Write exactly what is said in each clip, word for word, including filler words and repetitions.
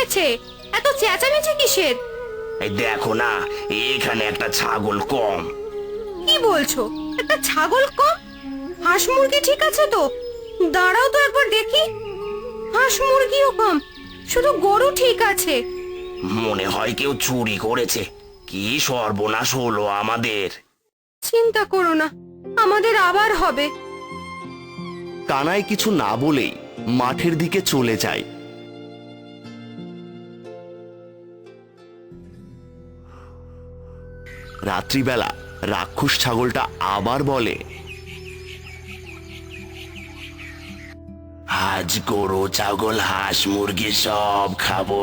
হয়েছে? এত চেঁচামেচি কিসের? এই দেখো না, এখানে একটা ছাগল কম। কি বলছো? একটা ছাগল কম? হাঁস মুরগি ঠিক আছে তো? দাঁড়াও তো একবার দেখি। হাঁস মুরগিও কম, শুধু গরু ঠিক আছে। মনে হয় কেউ চুরি করেছে। কি সর্বনাশ হলো আমাদের! চিন্তা করো না, আমাদের আবার হবে। কানাই কিছু না বলেই মাঠের দিকে চলে যায়। রাত্রিবেলা রাক্ষস ছাগলটা আবার বলে, আজ গরু ছাগল হাঁস মুরগি সব খাবো।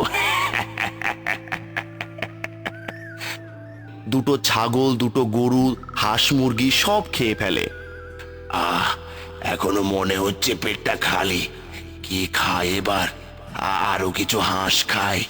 দুটো ছাগল, দুটো গরু, হাঁস মুরগি সব খেয়ে ফেলে। আহ, এখনো মনে হচ্ছে পেটটা খালি। কি খায় এবার? আরো কিছু হাঁস খায়।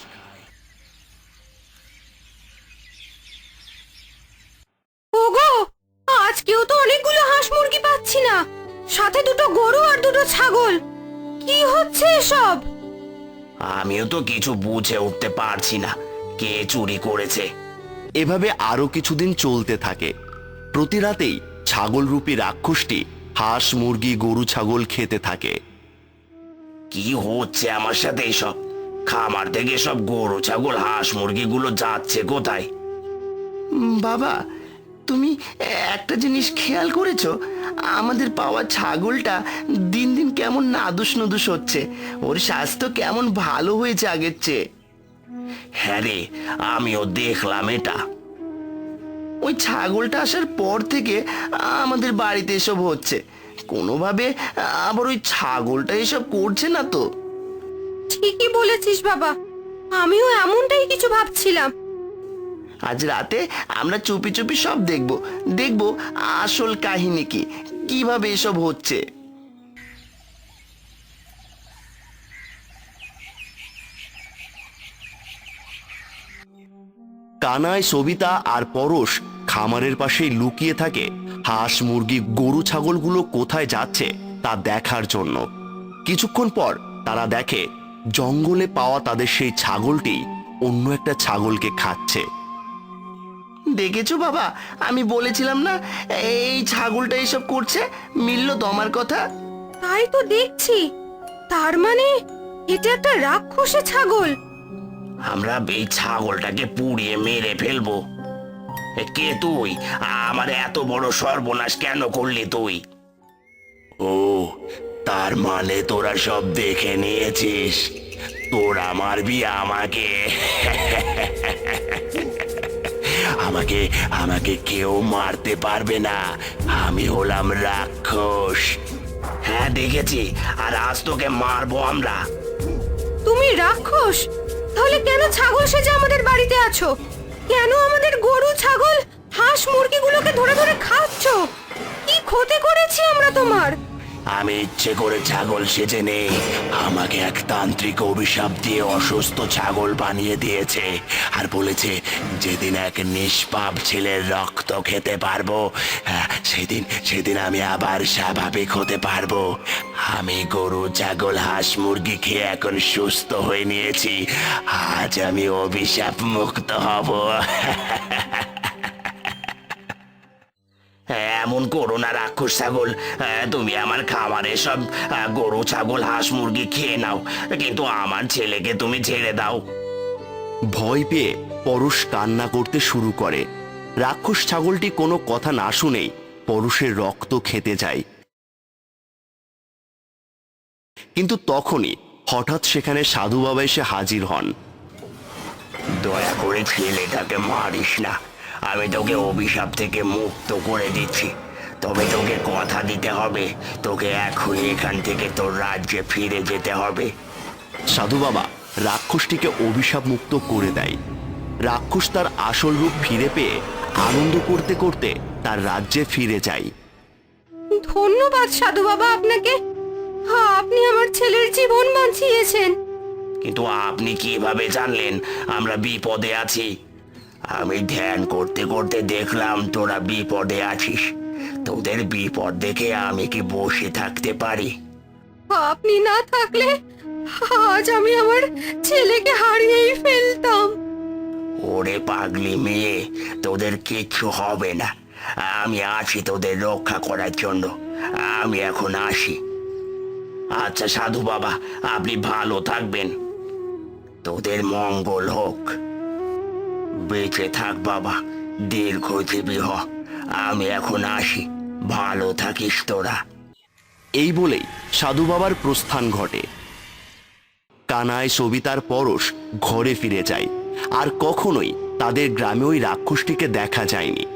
ওগো, আজকেও তো অনেকগুলো হাঁস মুরগি পাচ্ছি না, সাথে দুটো গরু আর দুটো ছাগল। কি হচ্ছে এসব? আমিও তো কিছু বুঝে উঠতে পারছি না কে চুরি করেছে। এভাবে আরো কিছুদিন চলতে থাকে। প্রতি রাতেই ছাগলরূপী রাক্ষসটি হাঁস মুরগি গরু ছাগল খেতে থাকে। কি হচ্ছে আমার সাথে এসব? খামার থেকে সব গরু ছাগল হাঁস মুরগিগুলো যাচ্ছে কোথায়? বাবা, তুমি একটা জিনিস খেয়াল করেছো? আমাদের পাওয়া ছাগলটা দিন দিন কেমন নাদুস নুদুস হচ্ছে। ওর স্বাস্থ্য কেমন ভালো হয়েছে আগের চেয়ে। হ্যাঁ রে, আমিও দেখলাম এটা। ওই ছাগলটা আসার পর থেকে আমাদের বাড়িতে এসব হচ্ছে। কোনোভাবে আবার ওই ছাগলটা এসব করছে না তো? ঠিকই বলেছিস বাবা, আমিও এমনটাই কিছু ভাবছিলাম। আজ রাতে আমরা চুপি চুপি সব দেখব দেখব আসল কাহিনী কি, কিভাবে এসব হচ্ছে। কানাই, সবিতা আর পরশ খামারের পাশেই লুকিয়ে থাকে হাঁস মুরগি গরু ছাগলগুলো কোথায় যাচ্ছে তা দেখার জন্য। কিছুক্ষণ পর তারা দেখে জঙ্গলে পাওয়া তাদের সেই ছাগলটি অন্য একটা ছাগলকে খাচ্ছে। দেখেছো বাবা, আমি বলেছিলাম না এই ছাগলটা এসব করছে? মিলল তো আমার কথা? তাই তো দেখছি, তার মানে এটা একটা রাক্ষসে ছাগল। আমরা এই ছাগলটাকে পুড়িয়ে মেরে ফেলবো। এ, কে তুই? আমার এত বড় সর্বনাশ কেন করলি তুই? ও, তার মানে তোরা সব দেখে নিয়েছিস। তোরা মারবি আমাকে? আমাকে আমাকে কেউ মারতে পারবে না। আমি হলাম রাক্ষস। হ্যাঁ দেখেছি, আর আজ তোকে মারবো আমরা। তুমি রাক্ষস? তাহলে কেন ছাগল সেজে আমাদের বাড়িতে আছো? কেন আমাদের গরু ছাগল হাঁস মুরগিগুলোকে ধরে ধরে খাচ্ছ? কি ক্ষতি করেছি আমরা তোমার? আমি ইচ্ছে করে ছাগল সেজে নেই। আমাকে এক তান্ত্রিক অভিশাপ দিয়ে অসুস্থ ছাগল বানিয়ে দিয়েছে, আর বলেছে যেদিন এক নিষ্পাপ ছেলের রক্ত খেতে পারবো, হ্যাঁ, সেদিন সেদিন আমি আবার স্বাভাবিক হতে পারবো। আমি গরু ছাগল হাঁস মুরগি খেয়ে এখন সুস্থ হয়ে নিয়েছি। আজ আমি অভিশাপ মুক্ত হব। এমন করো না রাক্ষস ছাগল। তুমি আমার খামারে সব গরু ছাগল হাঁস মুরগি খেয়ে নাও, কিন্তু আমার ছেলেকে তুমি ছেড়ে দাও। ভয় পেয়ে পরশ কান্না করতে শুরু করে। রাক্ষস ছাগলটি কোনো কথা না শুনেই পরশের রক্ত খেতে যায়। কিন্তু তখনই হঠাৎ সেখানে সাধু বাবা এসে হাজির হন। দয়া করে ছেলেটাকে মারিস না। আমি তোকে অভিশাপ থেকে মুক্ত করে দিচ্ছি, তবে তোকে কথা দিতে হবে তোকে এখনই এখান থেকে তোর রাজ্যে ফিরে যেতে হবে। সাধু বাবা রাক্ষসটিকে অভিশাপ মুক্ত করে দেয়। রাক্ষস তার আসল রূপ ফিরে পেয়ে আনন্দ করতে করতে তার রাজ্যে ফিরে যায়। ধন্যবাদ সাধু বাবা আপনাকে, হ্যাঁ, আপনি আমার ছেলের জীবন বাঁচিয়েছেন। কিন্তু আপনি কিভাবে জানলেন আমরা বিপদে আছি? আমি ধ্যান করতে করতে দেখলাম তোরা বিপদে আছিস। তোদের বিপদ দেখে আমি কি বসে থাকতে পারি? আপনি না থাকলে আজ আমি আমার ছেলেকে হারিয়েই ফেলতাম। ওরে পাগলি মেয়ে, তোদের কিচ্ছু হবে না। আমি আছি তোদের রক্ষা করার জন্য। আমি এখন আসি। আচ্ছা সাধু বাবা, আপনি ভালো থাকবেন। তোদের মঙ্গল হোক। বেঁচে থাক বাবা, দীর্ঘজীবী হ। আমি এখন আসি, ভালো থাকিস তোরা। এই বলেই সাধু বাবার প্রস্থান ঘটে। কানাই, সবিতার পরশ ঘরে ফিরে যায়, আর কখনোই তাদের গ্রামে ওই রাক্ষসটিকে দেখা যায়নি।